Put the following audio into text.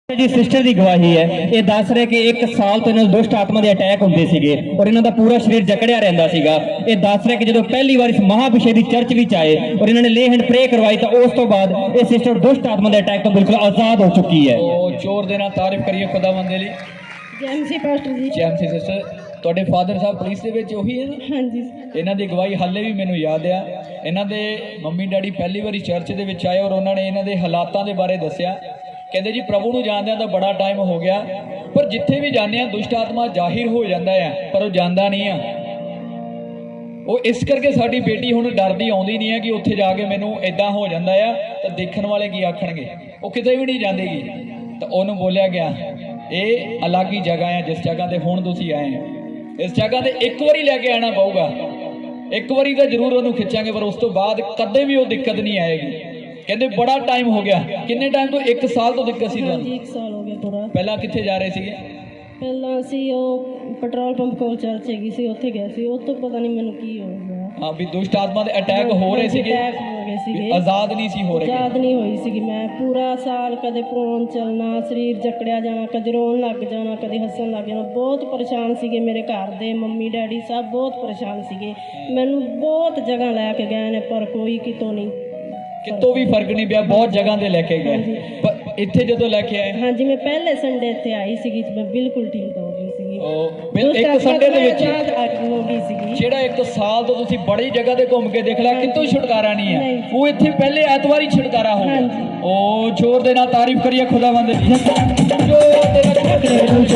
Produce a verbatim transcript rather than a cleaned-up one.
जी sister की गवाही है। ये दस रहे कि एक साल तो इन्होंने दुष्ट आत्मा के अटैक होंगे सीगे और इन्हों का पूरा शरीर जकड़िया रहिंदा सीगा। ये दस रहे कि जो पहली बार इस महाभिषेक की चर्च भी आए और इन्होंने ले हैंड प्रे करवाई तो उस तो बाद ये सिस्टर दुष्ट आत्मा के अटैक तो बिल्कुल आजाद हो चुकी है। तो जोर देना तारीफ करिए खुदावंद दी। ਜੈਮਸੀ ਪਾਸਟਰ ਜੀ ਜੈਮਸੀ ਸਿਸਟਰ ਤੁਹਾਡੇ ਫਾਦਰ ਸਾਹਿਬ ਪੁਲਿਸ ਦੇ ਵਿੱਚ ਉਹੀ ਹੈ ਨਾ? ਹਾਂਜੀ ਇਹਨਾਂ ਦੀ ਗਵਾਹੀ ਹਾਲੇ ਵੀ ਮੈਨੂੰ ਯਾਦ ਆ। ਇਹਨਾਂ ਦੇ ਮੰਮੀ ਡੈਡੀ ਪਹਿਲੀ ਵਾਰੀ ਚਰਚ ਦੇ ਵਿੱਚ ਆਏ ਔਰ ਉਹਨਾਂ ਨੇ ਇਹਨਾਂ ਦੇ ਹਾਲਾਤਾਂ ਦੇ ਬਾਰੇ ਦੱਸਿਆ। ਕਹਿੰਦੇ ਜੀ ਪ੍ਰਭੂ ਨੂੰ ਜਾਣਦਿਆਂ ਤਾਂ ਬੜਾ ਟਾਈਮ ਹੋ ਗਿਆ ਪਰ ਜਿੱਥੇ ਵੀ ਜਾਂਦੇ ਆ ਦੁਸ਼ਟ ਆਤਮਾ ਜ਼ਾਹਿਰ ਹੋ ਜਾਂਦਾ ਆ ਪਰ ਉਹ ਜਾਂਦਾ ਨਹੀਂ ਆ। ਉਹ ਇਸ ਕਰਕੇ ਸਾਡੀ ਬੇਟੀ ਹੁਣ ਡਰਦੀ ਆਉਂਦੀ ਨਹੀਂ ਹੈ ਕਿ ਉੱਥੇ ਜਾ ਕੇ ਮੈਨੂੰ ਇਦਾਂ ਹੋ ਜਾਂਦਾ ਆ ਤਾਂ ਦੇਖਣ ਵਾਲੇ ਕੀ ਆਖਣਗੇ। ਉਹ ਕਿਤੇ ਵੀ ਨਹੀਂ ਜਾਂਦੀਗੀ। ਤਾਂ ਉਹਨੂੰ ਬੋਲਿਆ ਗਿਆ ਇਹ ਅਲੱਗ ਹੀ ਜਗ੍ਹਾ ਹੈ ਜਿਸ ਜਗ੍ਹਾ ਤੇ ਹੁਣ ਤੁਸੀਂ ਆਏ ਆ। ਇਸ ਜਗ੍ਹਾ ਤੇ ਇੱਕ ਵਾਰੀ ਲੈ ਕੇ ਆਣਾ ਪਊਗਾ। ਇੱਕ ਵਾਰੀ ਤਾਂ ਜ਼ਰੂਰ ਉਹਨੂੰ ਖਿੱਚਾਂਗੇ ਪਰ ਉਸ ਤੋਂ ਬਾਅਦ ਕਦੇ ਵੀ ਉਹ ਦਿੱਕਤ ਨਹੀਂ ਆਏਗੀ। ਕਹਿੰਦੇ ਬੜਾ ਟਾਈਮ ਹੋ ਗਿਆ। ਕਿੰਨੇ ਟਾਈਮ ਤੋਂ? ਇੱਕ ਸਾਲ ਤੋਂ ਦਿੱਕਤ ਸੀ ਤੁਹਾਨੂੰ? ਹਾਂਜੀ ਇੱਕ ਸਾਲ ਹੋ ਗਿਆ ਪੂਰਾ। ਪਹਿਲਾਂ ਕਿੱਥੇ ਜਾ ਰਹੇ ਸੀਗੇ? ਪਹਿਲਾਂ ਅਸੀਂ ਉਹ ਪੈਟਰੋਲ ਪੰਪ ਕੋਲ ਚਰਚ ਹੈਗੀ ਸੀ ਉੱਥੇ ਗਏ ਸੀ। ਉਹ ਤੋਂ ਪਤਾ ਨਹੀਂ ਮੈਨੂੰ ਕੀ ਹੋ ਗਿਆ। ਹਾਂ ਵੀ ਦੁਸ਼ਟ ਆਤਮਾ ਦੇ ਅਟੈਕ ਹੋ ਰਹੇ ਸੀਗੇ। ਅਟੈਕ ਹੋ ਗਏ ਸੀਗੇ। ਆਜ਼ਾਦ ਨਹੀਂ ਸੀ ਹੋ ਰਹੇ। ਆਜ਼ਾਦ ਨਹੀਂ ਹੋਈ ਸੀਗੀ ਮੈਂ। ਪੂਰਾ ਸਾਲ ਕਦੇ ਫੋਨ ਚੱਲਣਾ, ਸਰੀਰ ਜਕੜਿਆ ਜਾਣਾ, ਕਦੇ ਰੋਣ ਲੱਗ ਜਾਣਾ, ਕਦੇ ਹੱਸਣ ਲੱਗ ਜਾਣਾ। ਬਹੁਤ ਪਰੇਸ਼ਾਨ ਸੀਗੇ ਮੇਰੇ ਘਰ ਦੇ, ਮੰਮੀ ਡੈਡੀ ਸਭ ਬਹੁਤ ਪਰੇਸ਼ਾਨ ਸੀਗੇ। ਮੈਨੂੰ ਬਹੁਤ ਜਗ੍ਹਾ ਲੈ ਕੇ ਗਏ ਨੇ ਪਰ ਕੋਈ ਕਿਤੋਂ ਨਹੀਂ, ਕਿਤੋਂ ਵੀ ਫਰਕ ਨਹੀਂ ਪਿਆ। ਬਹੁਤ ਜਗ੍ਹਾ ਤੇ ਲੈ ਕੇ ਗਏ ਪਰ ਇੱਥੇ ਜਦੋਂ ਲੈ ਕੇ ਆਏ ਹਾਂਜੀ ਮੈਂ ਪਹਿਲੇ ਸੰਡੇ ਇੱਥੇ ਆਈ ਸੀਗੀ ਮੈਂ ਬਿਲਕੁਲ ਠੀਕ ਹੋ ਗਈ ਸੀਗੀ। ਉਹ ਇੱਕ ਸੰਡੇ ਦੇ ਵਿੱਚ ਹੋ ਗਈ ਸੀਗੀ। ਜਿਹੜਾ ਇੱਕ ਸਾਲ ਤੋਂ ਤੁਸੀਂ ਬੜੀ ਜਗ੍ਹਾ ਤੇ ਘੁੰਮ ਕੇ ਦੇਖ ਲਿਆ ਕਿਤੋਂ ਛੁਟਕਾਰਾ ਨਹੀਂ ਹੈ। ਉਹ ਇੱਥੇ ਪਹਿਲੇ ਐਤਵਾਰ ਹੀ ਛੁਟਕਾਰਾ ਹੋ ਗਿਆ। ਉਹ ਜ਼ੋਰ ਦੇ ਨਾਲ ਤਾਰੀਫ ਕਰੀਏ ਖੁਦਾਵੰਦ ਦੀ। ਜੋ ਤੇਰਾ